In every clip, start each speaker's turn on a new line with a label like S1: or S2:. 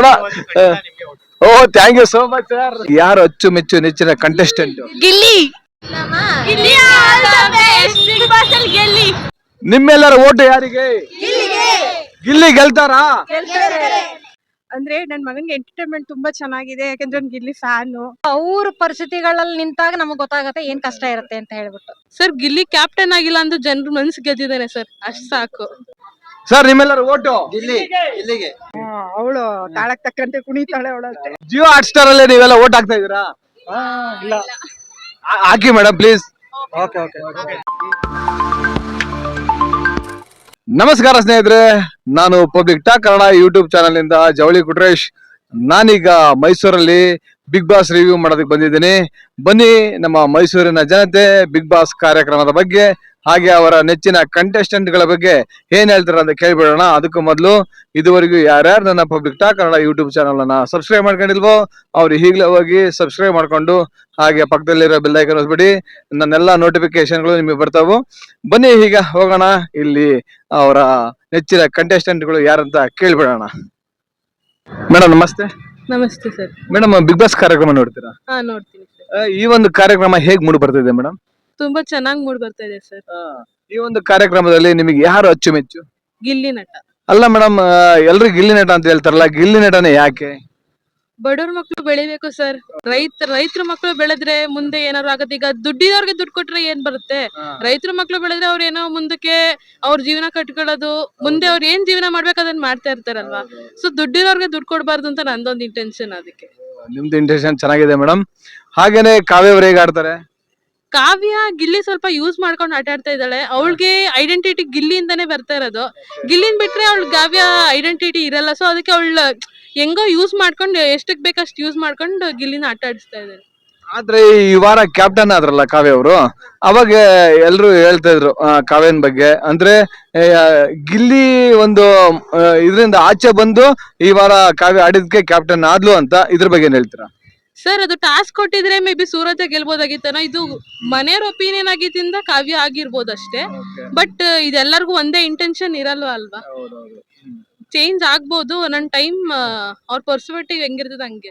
S1: ಬೇಡ. Oh thank you so much sir. ಯಾರು ಅಚ್ಚುಮೆಚ್ಚು ನೆಚ್ಚಿನ ಕಂಟೆಸ್ಟೆಂಟ್?
S2: ಗಿಲ್ಲಿ.
S1: ನಿಮ್ಮೆಲ್ಲರ ಓಟು ಯಾರಿಗೆ? ಗಿಲ್ಲಿ ಗೆಲ್ತಾರಾ?
S3: ಅಂದ್ರೆ ನನ್ ಮಗನ್ಗೆ ಎಂಟರ್ಟೈನ್ಮೆಂಟ್ ತುಂಬಾ ಚೆನ್ನಾಗಿದೆ, ಯಾಕಂದ್ರೆ ಅವ್ನ್ ಗಿಲ್ಲಿ ಫ್ಯಾನು.
S2: ಅವ್ರ ಪರಿಸ್ಥಿತಿಗಳಲ್ಲಿ ನಿಂತಾಗ ನಮಗ್ ಗೊತ್ತಾಗತ್ತೆ ಏನ್ ಕಷ್ಟ ಇರುತ್ತೆ ಅಂತ ಹೇಳ್ಬಿಟ್ಟು.
S3: ಸರ್ ಗಿಲ್ಲಿ ಕ್ಯಾಪ್ಟನ್ ಆಗಿಲ್ಲ ಅಂದ್ರೆ ಜನರು ಮನ್ಸು ಗೆದ್ದಿದ್ದಾನೆ ಸರ್, ಅಷ್ಟ್ ಸಾಕು.
S1: ಸರ್ ನಿಮ್ಮೆಲ್ಲರ ಓಟು ಗಿಲ್ಲಿಗೆ.
S3: ಅವಳು ತಾಳಕ್ ತಕ್ಕಂತೆ ಕುಣಿತಾಳೆ ಅವಳು.
S1: ಜಿಯೋ ಹಾಟ್ ಸ್ಟಾರ್ ಅಲ್ಲಿ ನೀವೆಲ್ಲ ಓಟ್ ಹಾಕ್ತಾ ಇದೀರಾ? ಹಾಕಿ ಮೇಡಮ್ ಪ್ಲೀಸ್. ನಮಸ್ಕಾರ ಸ್ನೇಹಿತರೆ, ನಾನು public talk Kannada YouTube channel ಇಂದ ಜವಳಿ ಕುಟ್ರೇಶ್. ನಾನೀಗ ಮೈಸೂರಲ್ಲಿ ಬಿಗ್ ಬಾಸ್ ರಿವ್ಯೂ ಮಾಡೋದಕ್ಕೆ ಬಂದಿದ್ದೀನಿ. ಬನ್ನಿ ನಮ್ಮ ಮೈಸೂರಿನ ಜನತೆ ಬಿಗ್ ಬಾಸ್ ಕಾರ್ಯಕ್ರಮದ ಬಗ್ಗೆ ಹಾಗೆ ಅವರ ನೆಚ್ಚಿನ ಕಂಟೆಸ್ಟೆಂಟ್ ಗಳ ಬಗ್ಗೆ ಏನ್ ಹೇಳ್ತಾರೆ ಅಂತ ಕೇಳ್ಬಿಡೋಣ. ಅದಕ್ಕೂ ಮೊದಲು ಇದುವರೆಗೂ ಯಾರ್ಯಾರು ನನ್ನ public talk Kannada YouTube channel ಅನ್ನ ಸಬ್ಸ್ಕ್ರೈಬ್ ಮಾಡ್ಕೊಂಡಿಲ್ವೋ ಅವ್ರು ಈಗಲೇ ಹೋಗಿ ಸಬ್ಸ್ಕ್ರೈಬ್ ಮಾಡ್ಕೊಂಡು ಹಾಗೆ ಪಕ್ಕದಲ್ಲಿರೋ ಬೆಲ್ ಐಕಾನ್ ಒತ್ಬಿಡಿ. ನನ್ನೆಲ್ಲ ನೋಟಿಫಿಕೇಶನ್ಗಳು ನಿಮಗೆ ಬರ್ತಾವು. ಬನ್ನಿ ಈಗ ಹೋಗೋಣ, ಇಲ್ಲಿ ಅವರ ನೆಚ್ಚಿನ ಕಂಟೆಸ್ಟೆಂಟ್ ಗಳು ಯಾರಂತ ಕೇಳ್ಬಿಡೋಣ. ಮೇಡಮ್ ನಮಸ್ತೆ.
S3: ನಮಸ್ತೆ ಸರ್.
S1: ಮೇಡಮ್ ಬಿಗ್ ಬಾಸ್ ಕಾರ್ಯಕ್ರಮ ನೋಡ್ತೀರಾ?
S3: ಹಾ ನೋಡ್ತೀನಿ ಸರ್.
S1: ಈ ಒಂದು ಕಾರ್ಯಕ್ರಮ ಹೇಗ್ ಮೂಡ್ ಬರ್ತಿದೆ ಮೇಡಮ್?
S3: ತುಂಬಾ ಚೆನ್ನಾಗಿ ಮೂಡ್ ಬರ್ತಾ ಇದೆ ಸರ್.
S1: ಈ ಒಂದು ಕಾರ್ಯಕ್ರಮದಲ್ಲಿ ನಿಮಗೆ ಯಾರು ಅಚ್ಚುಮೆಚ್ಚು?
S3: ಗಿಲ್ಲಿ ನಟ.
S1: ಅಲ್ಲ ಮೇಡಮ್, ಎಲ್ರು ಗಿಲ್ಲಿ ನಟ ಅಂತ ಹೇಳ್ತಾರಲ್ಲ, ಗಿಲ್ಲಿ ನಟನೆ ಯಾಕೆ?
S3: ಬಡವ್ರ ಮಕ್ಳು ಬೆಳಿಬೇಕು ಸರ್. ರೈತರ ಮಕ್ಳು ಬೆಳೆದ್ರೆ ಮುಂದೆ ಏನಾದ್ರು ಆಗತ್ತೆ. ಈಗ ದುಡ್ಡಿದವ್ರಿಗೆ ದುಡ್ಡು ಕೊಟ್ರೆ ಏನ್ ಬರುತ್ತೆ? ರೈತರ ಮಕ್ಳು ಬೆಳೆದ್ರೆ ಅವ್ರ ಏನೋ ಮುಂದಕ್ಕೆ ಅವ್ರ ಜೀವನ ಕಟ್ಕೊಳ್ಳೋದು, ಮುಂದೆ ಅವ್ರ ಏನ್ ಜೀವನ ಮಾಡ್ಬೇಕು ಅದನ್ನ ಮಾಡ್ತಾ ಇರ್ತಾರಲ್ವಾ. ಸೊ ದುಡ್ಡಿರೋರ್ಗೆ ದುಡ್ಡು ಕೊಡ್ಬಾರ್ದು ಅಂತ ನಂದೊಂದು ಇಂಟೆನ್ಷನ್. ಅದಕ್ಕೆ
S1: ನಿಮ್ದು ಇಂಟೆನ್ಷನ್ ಚೆನ್ನಾಗಿದೆ ಮೇಡಮ್. ಹಾಗೇನೆ ಕಾವ್ಯ ಅವ್ರು ಹೇಗ್ ಆಡ್ತಾರೆ?
S3: ಕಾವ್ಯ ಗಿಲ್ಲಿ ಸ್ವಲ್ಪ ಯೂಸ್ ಮಾಡ್ಕೊಂಡು ಆಟ ಆಡ್ತಾ ಇದ್ದಾಳೆ. ಅವಳಿಗೆ ಐಡೆಂಟಿಟಿ ಗಿಲ್ಲಿಯಿಂದಾನೇ ಬರ್ತಾ ಇರೋದು. ಗಿಲ್ಲಿನ್ ಬಿಟ್ರೆ ಅವಳ ಕಾವ್ಯ ಐಡೆಂಟಿಟಿ ಇರಲ್ಲ. ಸೊ ಅದಕ್ಕೆ ಅವಳ ಹೆಂಗೋ ಯೂಸ್ ಮಾಡ್ಕೊಂಡು ಎಷ್ಟಕ್ ಬೇಕಷ್ಟು ಯೂಸ್ ಮಾಡ್ಕೊಂಡು ಗಿಲ್ಲಿನ ಆಟ ಆಡಿಸ್ತಾ ಇದ್ದಾರೆ.
S1: ಆದ್ರೆ ಈ ವಾರ ಕ್ಯಾಪ್ಟನ್ ಆದ್ರಲ್ಲ ಕಾವ್ಯ ಅವರು, ಅವಾಗ ಎಲ್ರು ಹೇಳ್ತಾ ಇದ್ರು ಕಾವ್ಯನ್ ಬಗ್ಗೆ. ಅಂದ್ರೆ ಗಿಲ್ಲಿ ಒಂದು ಇದರಿಂದ ಆಚೆ ಬಂದು ಈ ವಾರ ಕಾವ್ಯ ಆಡಿದ್ಕೆ ಕ್ಯಾಪ್ಟನ್ ಆದ್ಲು ಅಂತ, ಇದ್ರ ಬಗ್ಗೆ ಏನ್ ಹೇಳ್ತೀರಾ?
S3: ಸರ್ ಅದು ಟಾಸ್ಕ್ ಕೊಟ್ಟಿದ್ರೆ ಮೇ ಬಿ ಸೂರಜ ಗೆಲ್ಬೋದಾಗಿತ್ತನ. ಇದು ಮನೆಯವ್ರ ಒಪಿನಿಯನ್ ಆಗಿದ್ದಿಂದ ಕಾವ್ಯ ಆಗಿರ್ಬೋದು ಅಷ್ಟೇ. ಬಟ್ ಇದೆಲ್ಲರಿಗೂ ಒಂದೇ ಇಂಟೆನ್ಷನ್ ಇರಲ್ವಾ ಅಲ್ವಾ. ಚೇಂಜ್ ಆಗ್ಬೋದು ಒಂದೊಂದ್ ಟೈಮ್. ಅವ್ರ ಪರ್ಸ್ಪೆಕ್ಟಿವ್ ಹೆಂಗಿರ್ತದ ಹಂಗೆ.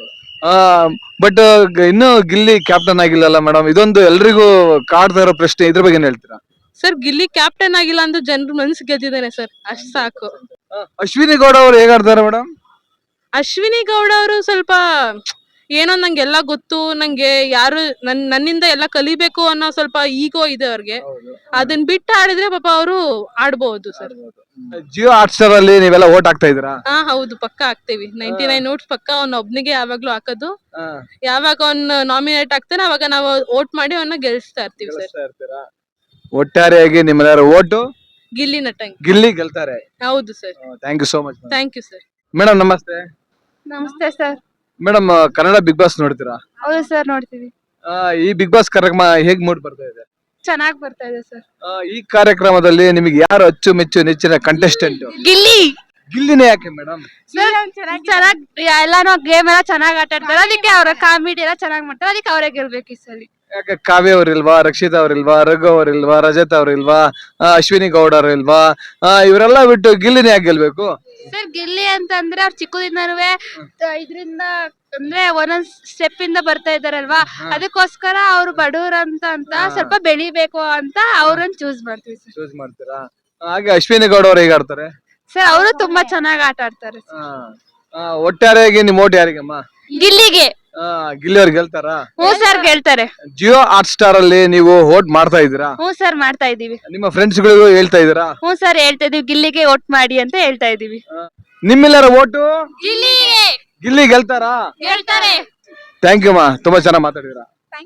S1: ಬಟ್ ಇನ್ನು ಗಿಲ್ಲಿ ಕ್ಯಾಪ್ಟನ್ ಆಗಿಲ್ಲಲ್ಲ ಮೇಡಮ್, ಇದೊಂದು ಎಲ್ರಿಗೂ ಕಾಡ್ತಾ ಇರೋ ಪ್ರಶ್ನೆ. ಇದ್ರ ಬಗ್ಗೆ ಏನ್ ಹೇಳ್ತೀರಾ?
S3: ಸರ್ ಗಿಲ್ಲಿ ಕ್ಯಾಪ್ಟನ್ ಆಗಿಲ್ಲ ಅಂದ್ರೆ ಜನರು ಮನ್ಸು ಗೆದ್ದಿದ್ದಾನೆ ಸರ್, ಅಷ್ಟ್ ಸಾಕು.
S1: ಅಶ್ವಿನಿ ಗೌಡ ಅವ್ರು ಹೇಗಾಡ್ತಾರೆ ಮೇಡಮ್?
S3: ಅಶ್ವಿನಿ ಗೌಡ ಅವರು ಸ್ವಲ್ಪ ಏನೋ ನಂಗೆಲ್ಲ ಗೊತ್ತು, ನಂಗೆ ಯಾರು ನನ್ನಿಂದ ಎಲ್ಲ ಕಲಿಬೇಕು ಅನ್ನೋ ಸ್ವಲ್ಪ ಈಗೋ ಇದೆ ಅವ್ರಿಗೆ. ಅದನ್ನ ಬಿಟ್ಟು ಆಡಿದ್ರೆ ಪಾಪ ಅವರು ಆಡ್ಬಹುದು ಸರ್.
S1: ಜಿಯೋ ಹಾಟ್ ಸ್ಟಾರ್ ಅಲ್ಲಿ ನೀವೆಲ್ಲ ಓಟ್ ಹಾಕ್ತಾ ಇದೀರಾ?
S3: ಹಾ ಹೌದು, ಪಕ್ಕ ಹಾಕ್ತೇವಿ. 99 ನೋಟ್ಸ್ ಪಕ್ಕ. ಅವ್ನ ಒಬ್ನಿಗೆ ಯಾವಾಗ್ಲೂ ಹಾಕೋದು. ಯಾವಾಗ ಅವ್ನ ನಾಮಿನೇಟ್ ಆಗ್ತಾನೆ ಅವಾಗ ನಾವು ವೋಟ್ ಮಾಡಿ ಅವನ್ನ ಗೆಲ್ಸ್ತಾ ಇರ್ತೀವಿ ಸರ್.
S1: ಒಟ್ಟಾರೆಯಾಗಿ ನಿಮ್ಮೆಲ್ಲರ ಓಟು
S3: ಗಿಲ್ಲಿ ನಟ.
S1: ಗಿಲ್ಲಿ ಗೆಲ್ತಾರೆ.
S3: ಹೌದು sir.
S1: Thank you so much.
S3: Thank you sir.
S1: Madam ನಮಸ್ತೆ.
S2: ನಮಸ್ತೆ sir.
S1: Madam Kannada Bigg Boss ನೋಡ್ತೀರಾ?
S2: ಹೌದು ಸರ್, ನೋಡ್ತೀವಿ.
S1: ಈ ಬಿಗ್ ಬಾಸ್ ಕಾರ್ಯಕ್ರಮ ಹೇಗ್ ಮೂಡ್ ಬರ್ತಾ ಇದೆ?
S2: ಚೆನ್ನಾಗಿ ಬರ್ತಾ ಇದೆ ಸರ್.
S1: ಈ ಕಾರ್ಯಕ್ರಮದಲ್ಲಿ ನಿಮಗೆ ಯಾರು ಅಚ್ಚುಮೆಚ್ಚು ನೆಚ್ಚಿನ ಕಂಟೆಸ್ಟೆಂಟ್?
S2: ಗಿಲ್ಲಿ.
S1: ಗಿಲ್ಲಿನೇ ಯಾಕೆ ಮೇಡಮ್?
S2: ಚೆನ್ನಾಗಿ ಎಲ್ಲಾನು ಗೇಮ್ ಎಲ್ಲ ಚೆನ್ನಾಗಿ ಆಟ ಆಡ್ತಾರೆ, ಅದಕ್ಕೆ ಅವ್ರ ಕಾಮಿಡಿ ಎಲ್ಲ ಚೆನ್ನಾಗಿ ಮಾಡ್ತಾರೆ, ಅದಕ್ಕೆ ಅವರೇ ಗೆಲ್ಬೇಕು ಈ ಸಲ.
S1: ಯಾಕೆ ಕಾವ್ಯ ಅವ್ರಿಲ್ವಾ, ರಕ್ಷಿತಾ ಅವ್ರಿಲ್ವಾ, ರಘು ಅವ್ರಿಲ್ವಾ, ರಜತ್ ಅವ್ರಿಲ್ವಾ, ಅಶ್ವಿನಿ ಗೌಡ ಅವ್ರಿಲ್ವಾ? ಇವರೆಲ್ಲ ಬಿಟ್ಟು ಗಿಲ್ಲಿನೇ ಯಾಕೆ ಗೆಲ್ಬೇಕು?
S2: ಸರ್ ಗಿಲ್ಲಿ ಅಂತಂದ್ರೆ ಅವ್ರು ಚಿಕ್ಕದಿಂದನೂ ಇದ್ರಿಂದ ಅಂದ್ರೆ ಒಂದೊಂದ್ ಸ್ಟೆಪ್ ಇಂದ ಬರ್ತಾ ಇದಾರಲ್ವಾ, ಅದಕ್ಕೋಸ್ಕರ ಅವ್ರು ಬಡವ್ರ ಅಂತ ಸ್ವಲ್ಪ ಬೆಳಿಬೇಕು ಅಂತ ಅವ್ರನ್ನ ಚೂಸ್ ಮಾಡ್ತೀವಿ ಸರ್.
S1: ಚೂಸ್ ಮಾಡ್ತೀರಾ? ಹಾಗೆ ಅಶ್ವಿನಿ ಗೌಡ ಅವ್ರು ಹೇಗಾಡ್ತಾರೆ?
S2: ಸರ್ ಅವರು ತುಂಬಾ ಚೆನ್ನಾಗಿ ಆಟ ಆಡ್ತಾರೆ.
S1: ಒಟ್ಟಾರೆಯಾಗಿ ನಿಮ್ ಓಟ್ ಯಾರಿಗಮ್ಮ?
S2: ಗಿಲ್ಲಿಗೆ.
S1: ಗಿಲ್ಲಿ ಅವ್ರು ಗೆಲ್ತಾರಾ?
S2: ಹ್ಞೂ ಸರ್, ಗೆಲ್ತಾರೆ.
S1: ಜಿಯೋ ಹಾಟ್ ಸ್ಟಾರ್ ಅಲ್ಲಿ ನೀವು ವೋಟ್ ಮಾಡ್ತಾ ಇದೀರಾ?
S2: ಹ್ಞೂ ಸರ್, ಮಾಡ್ತಾ ಇದೀವಿ.
S1: ನಿಮ್ಮ ಫ್ರೆಂಡ್ಸ್ ಗಳಿಗೂ ಹೇಳ್ತಾ ಇದೀರಾ?
S2: ಹ್ಞೂ ಸರ್, ಹೇಳ್ತಾ ಇದೀವಿ, ಗಿಲ್ಲಿಗೆ ವೋಟ್ ಮಾಡಿ ಅಂತ ಹೇಳ್ತಾ ಇದೀವಿ.
S1: ನಿಮ್ಮೆಲ್ಲರ ಓಟು
S2: ಗಿಲ್ಲಿಗೆ.
S1: ಗಿಲ್ಲಿ ಗೆಲ್ತಾರಾ?
S2: ಗೆಲ್ತಾರೆ.
S1: ಥ್ಯಾಂಕ್ ಯು ಮಾ, ತುಂಬಾ ಚೆನ್ನಾಗಿ ಮಾತಾಡಿದಿರಾ.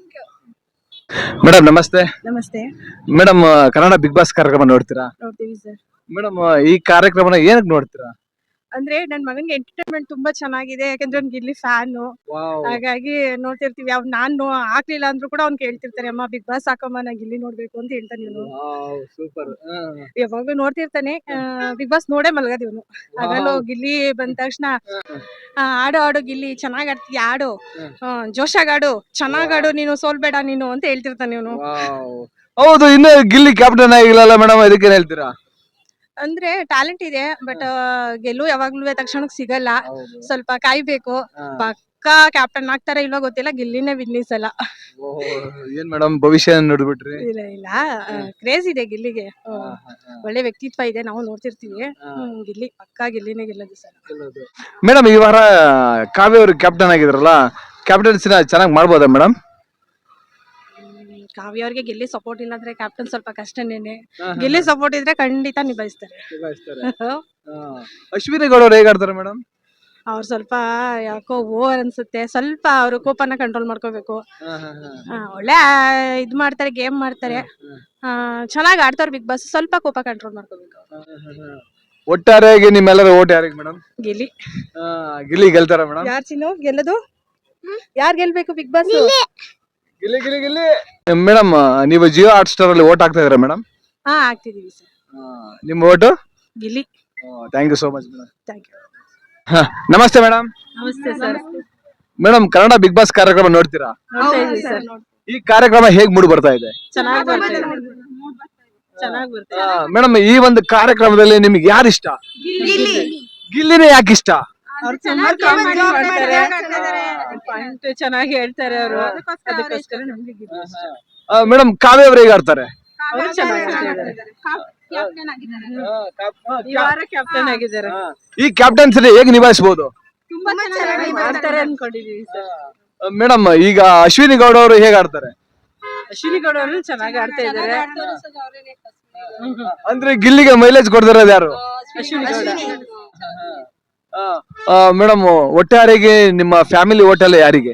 S1: ಮೇಡಮ್ ನಮಸ್ತೆ.
S3: ನಮಸ್ತೆ
S1: ಮೇಡಮ್ ಕನ್ನಡ ಬಿಗ್ ಬಾಸ್ ಕಾರ್ಯಕ್ರಮ ನೋಡ್ತೀರಾ?
S3: ನೋಡ್ತೀವಿ ಸರ್.
S1: ಮೇಡಮ್ ಈ ಕಾರ್ಯಕ್ರಮನ ಏನಕ್ಕೆ ನೋಡ್ತೀರಾ?
S3: ಅಂದ್ರೆ ನನ್ ಮಗನ್ಗೆ ಎಂಟರ್ಟೈನ್ಮೆಂಟ್ ತುಂಬಾ ಚೆನ್ನಾಗಿದೆ, ಯಾಕಂದ್ರೆ ಅವ್ನ್ ಗಿಲ್ಲಿ ಫ್ಯಾನು. ಹಾಗಾಗಿ ನೋಡ್ತಿರ್ತೀವಿ. ನಾನು ಹಾಕ್ಲಿಲ್ಲ ಅಂದ್ರೂ ಕೂಡ ಅವ್ನ್ ಕೇಳ್ತಿರ್ತಾನೆ, ಅಮ್ಮ ಬಿಗ್ ಬಾಸ್ ಹಾಕಮ್ಮ, ನಾ ಗಿಲ್ಲಿ ನೋಡ್ಬೇಕು ಅಂತ ಹೇಳ್ತಾನೆ ಇವನು.
S1: ಸೂಪರ್.
S3: ಯಾವಾಗ್ಲೂ ನೋಡ್ತಿರ್ತಾನೆ. ಬಿಗ್ ಬಾಸ್ ನೋಡೇ ಮಲ್ಗದ್ ಇವನು. ಆಗಲೂ ಗಿಲ್ಲಿ ಬಂದ ತಕ್ಷಣ ಆಡು ಗಿಲ್ಲಿ, ಚೆನ್ನಾಗ್ ಆಡ್ತೀಯ, ಆಡು, ಜೋಶಾಗ್ ಆಡು, ಚೆನ್ನಾಗ್ ಆಡು, ನೀನು ಸೋಲ್ಬೇಡ ನೀನು ಅಂತ ಹೇಳ್ತಿರ್ತಾನೆ ಇವನು.
S1: ಹೌದು, ಇನ್ನು ಗಿಲ್ಲಿ ಕ್ಯಾಪ್ಟನ್ ಆಗಿಲ್ಲ ಮೇಡಮ್, ಇದಕ್ಕೇನ್ ಹೇಳ್ತೀರಾ?
S4: ಅಂದ್ರೆ ಟ್ಯಾಲೆಂಟ್ ಇದೆ ಬಟ್ ಗೆಲ್ಲು ಯಾವಾಗ್ಲೂ ತಕ್ಷಣಕ್ಕೆ ಸಿಗಲ್ಲ, ಸ್ವಲ್ಪ ಕಾಯ್ಬೇಕು. ಪಕ್ಕಾ ಕ್ಯಾಪ್ಟನ್ ಆಗ್ತಾರ ಇಲ್ವಾ ಗೊತ್ತಿಲ್ಲ, ಗಿಲ್ಲಿನೇ ವಿನ್ನಿಸ್ ಅಲ್ಲ.
S1: ಏನ್ ಮೇಡಮ್ ಭವಿಷ್ಯ ನೋಡ್ಬಿಟ್ರಿ?
S4: ಇಲ್ಲ ಇಲ್ಲ, ಕ್ರೇಜ್ ಇದೆ ಗಿಲ್ಲಿಗೆ. ಒಳ್ಳೆ ವ್ಯಕ್ತಿತ್ವ ಇದೆ, ನಾವು ನೋಡ್ತಿರ್ತೀವಿ. ಗಿಲ್ಲಿ ಪಕ್ಕಾ ಗಿಲ್ಲಿನೇ ಗೆಲ್ಲೋದು ಸರ್.
S1: ಮೇಡಮ್ ಈ ವಾರ ಕಾವ್ಯ ಅವರು ಕ್ಯಾಪ್ಟನ್ ಆಗಿದ್ರಲ್ಲ, ಕ್ಯಾಪ್ಟನ್ಸಿನ ಚೆನ್ನಾಗಿ ಮಾಡ್ಬೋದಾ ಮೇಡಮ್?
S4: ಕಾವ್ಯ ಅವ್ರಿಗೆ ಗಿಲ್ಲಿ ಸಪೋರ್ಟ್ ಇಲ್ಲ ಅಂದ್ರೆ ಕ್ಯಾಪ್ಟನ್ ಸ್ವಲ್ಪ ಕಷ್ಟನೇನೆ. ಗಿಲ್ಲಿ ಸಪೋರ್ಟ್ ಇದ್ರೆ ಖಂಡಿತ ನಿಭಾಯಿಸ್ತಾರೆ.
S1: ಅಶ್ವಿನಿ ಗೌಡ ಅವ್ರು ಹೇಗಾಡ್ತಾರೆ ಮೇಡಮ್?
S4: ಅವ್ರು ಸ್ವಲ್ಪ ಯಾಕೋ ಓವರ್ ಅನ್ಸುತ್ತೆ, ಸ್ವಲ್ಪ ಅವ್ರು ಕೋಪನ ಕಂಟ್ರೋಲ್ ಮಾಡ್ಕೋಬೇಕು. ಒಳ್ಳೆ ಇದ್ ಮಾಡ್ತಾರೆ, ಗೇಮ್ ಮಾಡ್ತಾರೆ, ಚೆನ್ನಾಗಿ ಆಡ್ತಾರೆ ಬಿಗ್ ಬಾಸ್. ಸ್ವಲ್ಪ ಕೋಪ ಕಂಟ್ರೋಲ್ ಮಾಡ್ಕೋಬೇಕು.
S1: ಒಟ್ಟಾರೆಯಾಗಿ ನಿಮ್ಮೆಲ್ಲರ ಓಟ್ ಯಾರಿಗೆ ಮೇಡಮ್?
S4: ಗಿಲ್ಲಿ.
S1: ಗಿಲ್ಲಿ ಗೆಲ್ತಾರ ಮೇಡಮ್?
S4: ಯಾರ್ ಚಿನ್ನು ಗೆಲ್ಲದು? ಯಾರ್ ಗೆಲ್ಬೇಕು Bigg Boss?
S1: Gilli Gilli Gilli. Madam ನೀವು ಜಿಯೋ ಹಾಟ್ ಸ್ಟಾರ್ ಅಲ್ಲಿ ಓಟ್ ಹಾಕ್ತಾ ಇದ್ದೀರಾ ಮೇಡಮ್?
S4: ಆಗ್ತಿದೀವಿ ಸರ್.
S1: ನಿಮ್ಮ vote?
S4: Gilli.
S1: Thank you so much madam.
S4: Thank you.
S1: ನಮಸ್ತೆ ಮೇಡಮ್.
S4: ನಮಸ್ತೆ sir.
S1: Madam Kannada Bigg Boss ಕಾರ್ಯಕ್ರಮ ನೋಡ್ತೀರಾ?
S4: ಸರ್
S1: ಈ ಕಾರ್ಯಕ್ರಮ ಹೇಗ್ ಮೂಡ್ ಬರ್ತಾ ಇದೆ?
S4: ಚೆನ್ನಾಗಿ ಬರ್ತಾರೆ.
S1: ಮೇಡಮ್ ಈ ಒಂದು ಕಾರ್ಯಕ್ರಮದಲ್ಲಿ ನಿಮ್ಗೆ ಯಾರು ಇಷ್ಟ? ಗಿಲ್ಲಿನೇ ಯಾಕೆ ಇಷ್ಟ?
S4: ಅವ್ರು ತುಂಬಾ ಕಾಮಿಡಿ ಮಾಡ್ತಾರೆ, ಪಾಯಿಂಟ್ ಚೆನ್ನಾಗಿ ಹೇಳ್ತಾರೆ ಅವರು, ಅದಕ್ಕೋಸ್ಕರ ನಮ್ಗೆ ಗಿಲ್ಲಿ ಇಷ್ಟ.
S1: ಮೇಡಮ್ ಕಾವ್ಯ ಅವ್ರು ಹೇಗ್ ಆಡ್ತಾರೆ?
S4: ಅವ್ರು ಚೆನ್ನಾಗಿ ಆಡ್ತಿದ್ದಾರೆ. ಈ ವಾರ ಕ್ಯಾಪ್ಟನ್ ಆಗಿದ್ದಾರೆ.
S1: ಈ ಕ್ಯಾಪ್ಟನ್ಸಿ ಹೇಗ್ ನಿಭಾಯಿಸಬಹುದು
S4: ತುಂಬಾ ಚೆನ್ನಾಗಿ ಮಾಡ್ತಾರೆ ಅನ್ಕೊಂಡಿದೀವಿ ಸರ್.
S1: ಮೇಡಮ್ ಈಗ ಅಶ್ವಿನಿ ಗೌಡ ಅವರು ಹೇಗ್ ಆಡ್ತಾರೆ?
S4: ಅಶ್ವಿನಿ ಗೌಡ ಅವರು ಚೆನ್ನಾಗಿ ಆಡ್ತಾ ಇದ್ದಾರೆ.
S1: ಅಂದ್ರೆ ಗಿಲ್ಲಿಗೆ ಮೈಲೇಜ್ ಕೊಡ್ತಿರೋದು ಯಾರು?
S4: ಅಶ್ವಿನಿ ಗೌಡ.
S1: ಮೇಡಮ್ ಒಟ್ಟಾರೆಗೆ ನಿಮ್ಮ ಫ್ಯಾಮಿಲಿ ಹೋಟೆಲ್ ಯಾರಿಗೆ?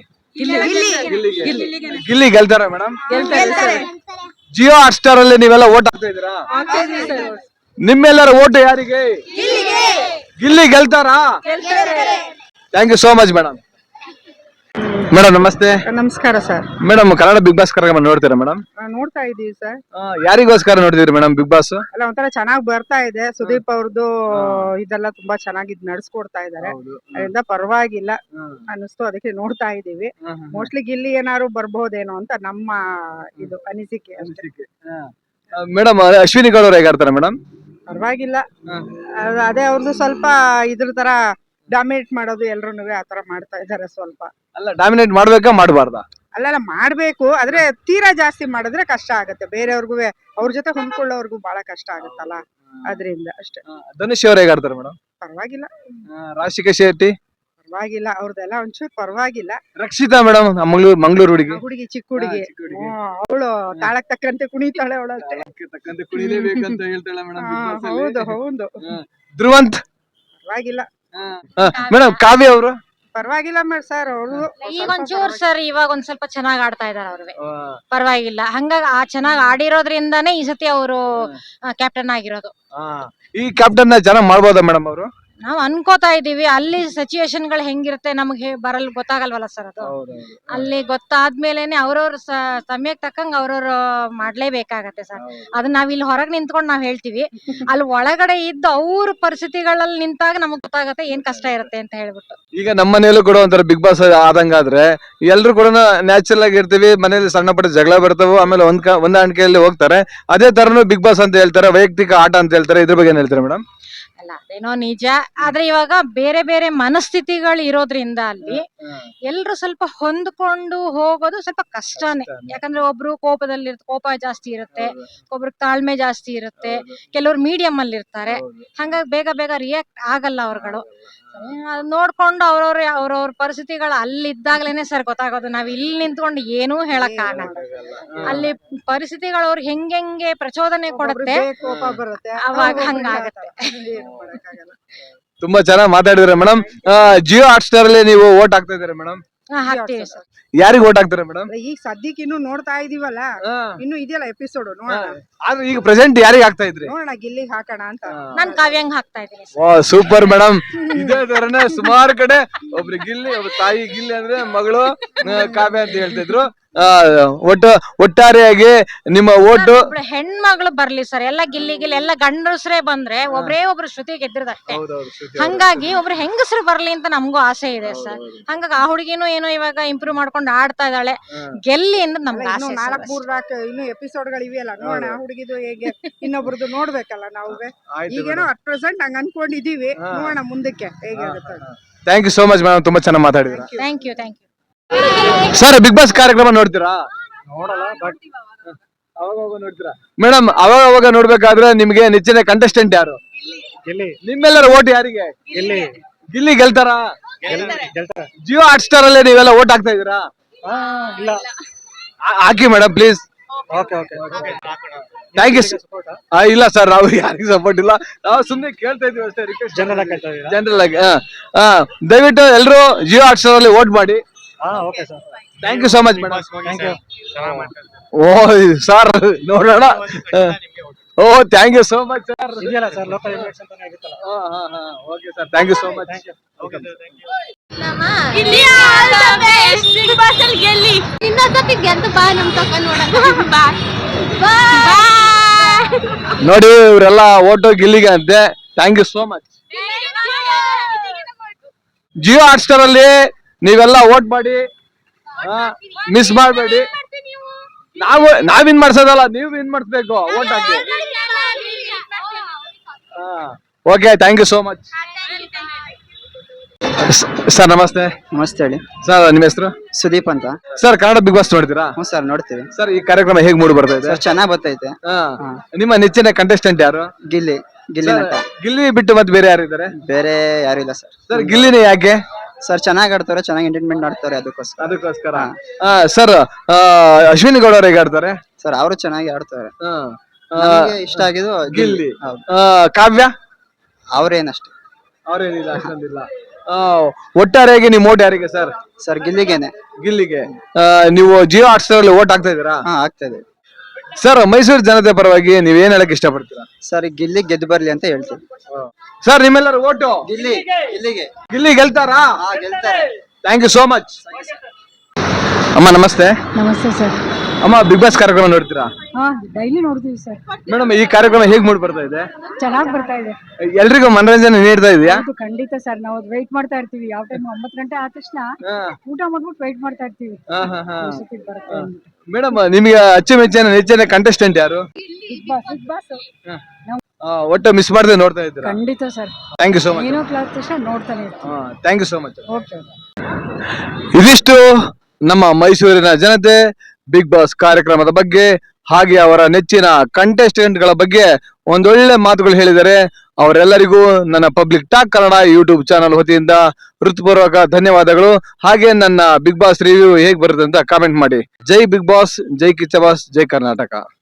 S1: ಗಿಲ್ಲಿ ಗೆಲ್ತಾರ ಮೇಡಮ್? ಜಿಯೋ ಹಾಟ್ ಸ್ಟಾರ್ ಅಲ್ಲಿ ನೀವೆಲ್ಲ ಓಟ್ ಹಾಕ್ತಾ ಇದೀರಾ? ನಿಮ್ಮೆಲ್ಲರ ಓಟ್ ಯಾರಿಗೆ? ಗಿಲ್ಲಿ ಗೆಲ್ತಾರಾ? Thank you so much madam. Madam ನಮಸ್ತೆ.
S4: ನಮಸ್ಕಾರ sir.
S1: Madam Kannada Bigg Boss ಕಾರ್ಯಕ್ರಮ ನೋಡ್ತೀರಾ ಮೇಡಮ್?
S4: ನೋಡ್ತಾ ಇದೀವಿ ಸರ್.
S1: ಯಾರಿಗೋಸ್ಕರ ನೋಡ್ತಿದ್ರಿ ಮೇಡಮ್ ಬಿಗ್ ಬಾಸ್?
S4: ಅಲ್ಲ ಒಂಥರ ಚೆನ್ನಾಗಿ ಬರ್ತಾ ಇದೆ. ಸುದೀಪ್ ಅವ್ರದ್ದು ಇದೆಲ್ಲ ತುಂಬಾ ಚೆನ್ನಾಗಿ ನಡ್ಸ್ಕೊಡ್ತಾ ಇದಾರೆ, ಅದರಿಂದ ಪರವಾಗಿಲ್ಲ ಅನಿಸ್ತು, ಅದಕ್ಕೆ ನೋಡ್ತಾ ಇದೀವಿ. ಮೋಸ್ಟ್ಲಿ ಗಿಲ್ಲಿ ಏನಾದ್ರು ಬರ್ಬಹುದೇನೋ ಅಂತ ನಮ್ಮ ಇದು ಅನಿಸಿಕೆ ಅಷ್ಟೇ.
S1: ಮೇಡಮ್ ಅಶ್ವಿನಿ ಗೌಡ ಅವ್ರು ಹೇಗಾಡ್ತಾರೆ ಮೇಡಮ್?
S4: ಪರವಾಗಿಲ್ಲ, ಅದೇ ಅವ್ರದ್ದು ಸ್ವಲ್ಪ ಇದ್ರ ತರ ಡಾಮಿನೇಟ್ ಮಾಡೋದು ಎಲ್ರೂನುವೆ ಆತರ ಮಾಡ್ತಾ ಇದಾರೆ ಸ್ವಲ್ಪ.
S1: ಅಲ್ಲ ಡಾಮಿನೇಟ್ ಮಾಡ್ಬೇಕಾ ಮಾಡಬಾರ್ದಾ?
S4: ಅಲ್ಲ ಮಾಡ್ಬೇಕು, ಆದ್ರೆ ತೀರಾ ಜಾಸ್ತಿ ಮಾಡಿದ್ರೆ ಕಷ್ಟ ಆಗತ್ತೆ. ಬೇರೆಯವ್ರಿಗೂ ಅವ್ರ ಜೊತೆ ಹೊಂದ್ಕೊಳ್ಳೋರ್ಗು ಬಹಳ ಕಷ್ಟ ಆಗತ್ತಲ್ಲ, ಅದರಿಂದ ಅಷ್ಟೇ.
S1: ಧನುಷ್ ಅವ್ರು ಹೇಗಾಡ್ತಾರೆ ಮೇಡಮ್?
S4: ಪರವಾಗಿಲ್ಲ.
S1: ರಾಶಿಕಾ ಶೆಟ್ಟಿ?
S4: ಪರವಾಗಿಲ್ಲ, ಅವ್ರದ್ದೆಲ್ಲ ಒಂಚೂರು ಪರವಾಗಿಲ್ಲ.
S1: ರಕ್ಷಿತಾ ಮೇಡಮ್ ಮಂಗಳೂರು ಹುಡುಗಿ?
S4: ಹುಡುಗಿ, ಚಿಕ್ಕ ಹುಡುಗಿ, ಅವಳು ತಾಳಕ್ ತಕ್ಕಂತೆ ಕುಣಿತಾಳೆ ಅವಳು ಅಷ್ಟೇ. ಹೌದು ಹೌದು.
S1: ಧ್ರುವಂತ್?
S4: ಪರವಾಗಿಲ್ಲ.
S1: ಮೇಡಮ್ ಕಾವ್ಯ ಅವರು?
S4: ಪರವಾಗಿಲ್ಲ ಸರ್. ಅವರು
S5: ಈಗ ಒಂಚೂರ್ ಸರ್ ಇವಾಗ ಒಂದ್ ಸ್ವಲ್ಪ ಚೆನ್ನಾಗ್ ಆಡ್ತಾ ಇದಾರೆ ಅವ್ರಿಗೆ, ಪರವಾಗಿಲ್ಲ. ಹಂಗಾಗಿ ಆ ಚೆನ್ನಾಗ್ ಆಡಿರೋದ್ರಿಂದಾನೇ ಈ ಸತಿ ಅವರು ಕ್ಯಾಪ್ಟನ್ ಆಗಿರೋದು.
S1: ಈ ಕ್ಯಾಪ್ಟನ್ ಚೆನ್ನಾಗ್ ಮಾಡ್ಬೋದಾ ಮೇಡಮ್ ಅವರು?
S5: ನಾವ್ ಅನ್ಕೋತಾ ಇದೀವಿ. ಅಲ್ಲಿ ಸಿಚುವೇಶನ್ ಗಳು ಹೆಂಗಿರುತ್ತೆ ನಮ್ಗೆ ಬರಲ್ ಗೊತ್ತಾಗಲ್ವಲ್ಲ ಸರ್ ಅದು. ಅಲ್ಲಿ ಗೊತ್ತಾದ್ಮೇಲೆನೆ ಅವ್ರವ್ರ ಸಮಯಕ್ಕೆ ತಕ್ಕಂಗ ಅವ್ರವ್ರು ಮಾಡ್ಲೇಬೇಕಾಗತ್ತೆ ಸರ್. ಅದನ್ನ ನಾವ್ ಇಲ್ಲಿ ಹೊರಗ್ ನಿಂತ್ಕೊಂಡ್ ನಾವ್ ಹೇಳ್ತೀವಿ, ಅಲ್ಲಿ ಒಳಗಡೆ ಇದ್ದು ಅವ್ರ ಪರಿಸ್ಥಿತಿಗಳಲ್ಲಿ ನಿಂತಾಗ ನಮಗ್ ಗೊತ್ತಾಗತ್ತೆ ಏನ್ ಕಷ್ಟ ಇರುತ್ತೆ ಅಂತ ಹೇಳ್ಬಿಟ್ಟು.
S1: ಈಗ ನಮ್ಮ ಮನೇಲೂ ಕೂಡ ಒಂಥರ ಬಿಗ್ ಬಾಸ್ ಆದಂಗಾದ್ರೆ ಎಲ್ರು ಕೂಡ ನ್ಯಾಚುರಲ್ ಆಗಿ ಇರ್ತೀವಿ, ಮನೇಲಿ ಸಣ್ಣ ಪಟ್ಟ ಜಗಳ ಬರ್ತಾವ, ಆಮೇಲೆ ಹೊಂದಾಣಿಕೆಯಲ್ಲಿ ಹೋಗ್ತಾರೆ. ಅದೇ ತರನು ಬಿಗ್ ಬಾಸ್ ಅಂತ ಹೇಳ್ತಾರೆ, ವೈಯಕ್ತಿಕ ಆಟ ಅಂತ ಹೇಳ್ತಾರೆ. ಇದ್ರ ಬಗ್ಗೆ ಏನ್ ಹೇಳ್ತಾರೆ ಮೇಡಮ್?
S5: ಅಲ್ಲ ಅದೇನೋ ನಿಜ, ಆದ್ರೆ ಇವಾಗ ಬೇರೆ ಬೇರೆ ಮನಸ್ಥಿತಿಗಳು ಇರೋದ್ರಿಂದ ಅಲ್ಲಿ ಎಲ್ರು ಸ್ವಲ್ಪ ಹೊಂದ್ಕೊಂಡು ಹೋಗೋದು ಸ್ವಲ್ಪ ಕಷ್ಟನೇ. ಯಾಕಂದ್ರೆ ಒಬ್ರು ಕೋಪ ಜಾಸ್ತಿ ಇರುತ್ತೆ, ಒಬ್ರಿಗೆ ತಾಳ್ಮೆ ಜಾಸ್ತಿ ಇರುತ್ತೆ, ಕೆಲವ್ರು ಮೀಡಿಯಂ ಅಲ್ಲಿ ಇರ್ತಾರೆ. ಹಂಗಾಗಿ ಬೇಗ ಬೇಗ ರಿಯಾಕ್ಟ್ ಆಗಲ್ಲ ಅವ್ರುಗಳು. ನೋಡ್ಕೊಂಡು ಅವ್ರವ್ರ ಪರಿಸ್ಥಿತಿಗಳು ಅಲ್ಲಿದ್ದಾಗ್ಲೇನೆ ಸರ್ ಗೊತ್ತಾಗೋದು. ನಾವ್ ಇಲ್ಲಿ ನಿಂತ್ಕೊಂಡು ಏನೂ ಹೇಳಕ್ ಆಗಲ್ಲ. ಅಲ್ಲಿ ಪರಿಸ್ಥಿತಿಗಳು ಅವ್ರಿಗೆ ಹೆಂಗೆ ಪ್ರಚೋದನೆ ಕೊಡುತ್ತೆ, ಅವಾಗ ಹಂಗಾಗತ್ತೆ.
S1: ತುಂಬಾ ಚೆನ್ನಾಗಿ ಮಾತಾಡಿದ್ರೆ ಮೇಡಮ್. ಜಿಯೋ ಹಾಟ್ ಸ್ಟಾರ್ ಅಲ್ಲಿ ನೀವು ಓಟ್ ಹಾಕ್ತಾ ಇದ್ದೀರಾ ಮೇಡಮ್?
S5: ಹಾಕ್ತೀವಿ ಸರ್.
S1: ಯಾರಿಗೆ ಓಟ್ ಹಾಕ್ತಾರೆ ಮೇಡಮ್?
S4: ಈಗ ಸದ್ಯಕ್ಕೆ ಇನ್ನು ನೋಡ್ತಾ ಇದೀವಲ್ಲ, ಇನ್ನು ಇದೆಯಲ್ಲ ಎಪಿಸೋಡ್ ನೋಡೋಣ.
S1: ಆದ್ರೆ ಈಗ ಪ್ರೆಸೆಂಟ್ ಯಾರಿಗೆ ಹಾಕ್ತಾ ಇದ್ರಿ?
S4: ನೋಡೋಣ ಗಿಲ್ಲಿಗೆ ಹಾಕೋಣ ಅಂತ.
S5: ನಾನ್ ಕಾವ್ಯಂಗ್ ಹಾಕ್ತಾ ಇದ್ದೀನಿ.
S1: Super madam. ಇದೇ ತರನೇ ಸುಮಾರು ಕಡೆ ಒಬ್ರು ಗಿಲ್ಲಿ, ಒಬ್ರು ತಾಯಿ ಗಿಲ್ಲಿ ಅಂದ್ರೆ ಮಗಳು ಕಾವ್ಯ ಅಂತ ಹೇಳ್ತಿದ್ರು. ಒಟ್ಟಾರೆಯಾಗಿ ನಿಮ್ಮ ಓಟು
S5: ಒಬ್ಳು ಹೆಣ್ಮಗಳು ಬರ್ಲಿ ಸರ್, ಎಲ್ಲ ಗಿಲ್ಲಿ ಎಲ್ಲ ಗಂಡಸ್ರೇ ಬಂದ್ರೆ ಒಬ್ರೇ ಒಬ್ರು ಶ್ರುತಿ ಗೆದ್ದಿರೋದಷ್ಟೇ. ಹಂಗಾಗಿ ಒಬ್ರು ಹೆಂಗಸರು ಬರ್ಲಿ ಅಂತ ನಮಗೂ ಆಸೆ ಇದೆ ಸರ್. ಹಂಗಾಗಿ ಆ ಹುಡುಗಿನೂ ಏನೋ ಇವಾಗ ಇಂಪ್ರೂವ್ ಮಾಡ್ಕೊಂಡು ಆಡ್ತಾ ಇದ್ದಾಳೆ, ಗೆಲ್ಲಿ ಅಂತ ನಮ್ಗೆ ಆಸೆ.
S4: ಇನ್ನು ಎಪಿಸೋಡ್ ಗಳಿವೆಯಲ್ಲ, ನೋಡೋಣ ಆ ಹುಡುಗಿದು ಹೇಗೆ ಇನ್ನೊಬ್ರದ್ದು ನೋಡ್ಬೇಕಲ್ಲ ನಾವು. ಈಗೇನೋ ಅಟ್ ಪ್ರೆಸೆಂಟ್ ಹಂಗ ಅನ್ಕೊಂಡಿದೀವಿ, ನೋಡೋಣ ಮುಂದಕ್ಕೆ ಹೇಗಾಗುತ್ತೆ.
S1: Thank you so much madam, ತುಂಬಾ ಚೆನ್ನಾಗಿ ಮಾತಾಡಿದ್ರ.
S5: Thank you.
S1: Sir Bigg Boss ಕಾರ್ಯಕ್ರಮ ನೋಡ್ತೀರಾ? ನೋಡ್ತೀರಾ ಮೇಡಮ್? ಅವಾಗ ನೋಡ್ಬೇಕಾದ್ರೆ ನಿಮ್ಗೆ ನೆಚ್ಚಿನ ಕಂಟೆಸ್ಟೆಂಟ್ ಯಾರು? ನಿಮ್ಮೆಲ್ಲರ ಓಟ್ ಯಾರಿಗೆ? ಗಿಲ್ಲಿ ಗೆಲ್ತಾರ? ಜಿಯೋ ಹಾಟ್ ಸ್ಟಾರ್ ಅಲ್ಲೇ ನೀವೆಲ್ಲ ಓಟ್ ಹಾಕ್ತಾ ಇದೀರಾ? ಹಾಕಿ ಮೇಡಮ್ ಪ್ಲೀಸ್. Thank you. ಇಲ್ಲ ಸರ್, ನಾವು ಯಾರಿಗೂ ಸಪೋರ್ಟ್ ಇಲ್ಲ, ನಾವು ಸುಮ್ಮನೆ ಕೇಳ್ತಾ ಇದೀವಿ ಅಷ್ಟೇ, ರಿಕ್ವೆಸ್ಟ್ ಜನರಲ್ ಆಗಿ. ದಯವಿಟ್ಟು ಎಲ್ಲರೂ ಜಿಯೋ ಹಾಟ್ ಸ್ಟಾರ್ ಅಲ್ಲಿ ವೋಟ್ ಮಾಡಿ. Thank you so much madam. Oh sir ನೋಡೋಣ. Oh thank you so much sir. Okay sir, thank you so much. ನೋಡಿ ಇವರೆಲ್ಲ ಓಟು ಗಿಲ್ಲಿಗೆ ಅಂತೆ. Thank you so much. Jio Hotstar ಅಲ್ಲಿ ನೀವೆಲ್ಲ ವೋಟ್ ಮಾಡಿ, ಮಿಸ್ ಮಾಡಬೇಡಿ. ನಾವ್ ವಿನ್ ಮಾಡ್ಸೋದಲ್ಲ, ನೀವು ವಿನ್ ಮಾಡಿಸ್ಬೇಕು, ವೋಟ್ ಹಾಕಿ. Okay, thank you so much. Sir ನಮಸ್ತೆ.
S6: ನಮಸ್ತೆ ಹೇಳಿ
S1: ಸರ್, ನಿಮ್ಮ ಹೆಸರು?
S6: ಸುದೀಪ್ ಅಂತ.
S1: ಸರ್, ಕನ್ನಡ ಬಿಗ್ ಬಾಸ್ ನೋಡ್ತೀರಾ?
S6: ಹ್ಞೂ ಸರ್, ನೋಡ್ತೀವಿ
S1: ಸರ್. ಈ ಕಾರ್ಯಕ್ರಮ ಹೇಗ್ ಮೂಡಿ ಬರ್ತಾ ಇದೆ?
S6: ಸರ್, ಚೆನ್ನಾಗ್ ಬರ್ತೈತೆ.
S1: ನಿಮ್ಮ ನೆಚ್ಚಿನ ಕಂಟೆಸ್ಟೆಂಟ್ ಯಾರು?
S6: ಗಿಲ್ಲಿ ನಟ.
S1: ಗಿಲ್ಲಿ ಬಿಟ್ಟು ಮತ್ತೆ ಬೇರೆ ಯಾರಿದ್ದಾರೆ?
S6: ಬೇರೆ ಯಾರು ಇಲ್ಲ ಸರ್.
S1: ಸರ್, ಗಿಲ್ಲಿನೇ ಯಾಕೆ?
S6: ಸರ್, ಚೆನ್ನಾಗ್ ಆಡ್ತಾರೆ, ಚೆನ್ನಾಗಿ ಎಂಟರ್ಟೈನ್ಮೆಂಟ್ ಆಡ್ತಾರೆ,
S1: ಅದಕ್ಕೋಸ್ಕರ. ಸರ್, ಅಶ್ವಿನಿ ಗೌಡ ಅವ್ರು ಹೇಗೆ ಆಡ್ತಾರೆ?
S6: ಸರ್, ಅವರು ಚೆನ್ನಾಗಿ ಆಡ್ತಾರೆ. ನಮ್ಗೆ ಇಷ್ಟ ಆಗಿದ್ದು
S1: ಗಿಲ್ಲಿ.
S6: ಹೌದು.
S1: ಕಾವ್ಯ
S6: ಅವ್ರೇನಷ್ಟೇ.
S1: ಅವ್ರೇನಿಲ್ಲ, ಅಷ್ಟೊಂದಿಲ್ಲ. ಒಟ್ಟಾರೆಯಾಗಿ ನೀವು ಓಟ್ ಯಾರಿಗೆ ಸರ್?
S6: ಸರ್, ಗಿಲ್ಲಿಗೆ.
S1: ನೀವು ಜಿಯೋ ಹಾಟ್ ಸ್ಟಾರ್ ಅಲ್ಲಿ ಓಟ್ ಹಾಕ್ತಾ ಇದೀರಾ?
S6: ಹಾ, ಆಗ್ತಾ ಇದೆ
S1: ಸರ್. ಮೈಸೂರು ಜನತೆ ಪರವಾಗಿ ನೀವ್ ಏನ್ ಹೇಳಕ್ ಇಷ್ಟಪಡ್ತೀರಾ?
S6: ಸರ್, ಗಿಲ್ಲಿ ಗೆದ್ದು ಬರ್ಲಿ ಅಂತ ಹೇಳ್ತೀವಿ.
S1: ಸರ್, ನಿಮ್ಮೆಲ್ಲರೂ ಓಟು ಗಿಲ್ಲಿ ಗೆಲ್ತಾರಾ?
S6: ಗೆಲ್ತಾರೆ.
S1: Thank you so much. ಅಮ್ಮ ನಮಸ್ತೆ.
S7: ನಮಸ್ತೆ ಸರ್.
S1: ಅಮ್ಮ, ಬಿಗ್ ಬಾಸ್ ಕಾರ್ಯಕ್ರಮ ನೋಡ್ತೀರಾ?
S7: ಡೈಲಿ ನೋಡ್ತೀವಿ ಸರ್.
S1: ಮೇಡಮ್, ಈ ಕಾರ್ಯಕ್ರಮ ಹೇಗ್ ಮೂಡ್ ಬರ್ತಾ ಇದೆ?
S7: ಚೆನ್ನಾಗಿ ಬರ್ತಾ ಇದೆ.
S1: ಎಲ್ರಿಗೂ ಮನರಂಜನೆ ನೀಡ್ತಾ ಇದೆಯಾ?
S7: ಖಂಡಿತ ಸರ್, ನಾವು ವೆಯ್ಟ್ ಮಾಡ್ತಾ ಇರ್ತೀವಿ. ಯಾವ ಟೈಮ್ 9 ಗಂಟೆ ಆದ ತಕ್ಷಣ ಊಟ ಮಾಡ್ಬಿಟ್ಟು ವೆಯ್ಟ್ ಮಾಡ್ತಾ ಇರ್ತೀವಿ.
S1: ಮೇಡಮ್, ನಿಮಗೆ ಅಚ್ಚುಮೆಚ್ಚಿನ ನೆಚ್ಚಿನ ಕಂಟೆಸ್ಟೆಂಟ್ ಯಾರು?
S7: ಬಿಗ್ ಬಾಸ್
S1: ಒಟ್ಟು ಮಿಸ್ ಮಾಡದೆ ನೋಡ್ತಾ ಇದ್ದೀರಾ?
S7: ಖಂಡಿತ sir.
S1: Thank you so much.
S7: ಏನೋ ಕ್ಲಾಸ್ ತಕ್ಷಣ ನೋಡ್ತಾನೆ ಇರ್ತೀವಿ.
S1: Thank you so much.
S7: Okay.
S1: ಇದಿಷ್ಟು ನಮ್ಮ ಮೈಸೂರಿನ ಜನತೆ ಬಿಗ್ ಬಾಸ್ ಕಾರ್ಯಕ್ರಮದ ಬಗ್ಗೆ, ಹಾಗೆ ಅವರ ನೆಚ್ಚಿನ ಕಂಟೆಸ್ಟೆಂಟ್ ಗಳ ಬಗ್ಗೆ ಒಂದೊಳ್ಳೆ ಮಾತುಗಳು ಹೇಳಿದ್ದಾರೆ. ಅವರೆಲ್ಲರಿಗೂ ನನ್ನ public talk Kannada YouTube channel ವತಿಯಿಂದ ಹೃತ್ಪೂರ್ವಕ ಧನ್ಯವಾದಗಳು. ಹಾಗೆ ನನ್ನ ಬಿಗ್ ಬಾಸ್ ರಿವ್ಯೂ ಹೇಗ್ ಬರುತ್ತೆ ಅಂತ ಕಾಮೆಂಟ್ ಮಾಡಿ. ಜೈ ಬಿಗ್ ಬಾಸ್, ಜೈ ಕಿಚ್ಚ ಬಾಸ್, ಜೈ ಕರ್ನಾಟಕ.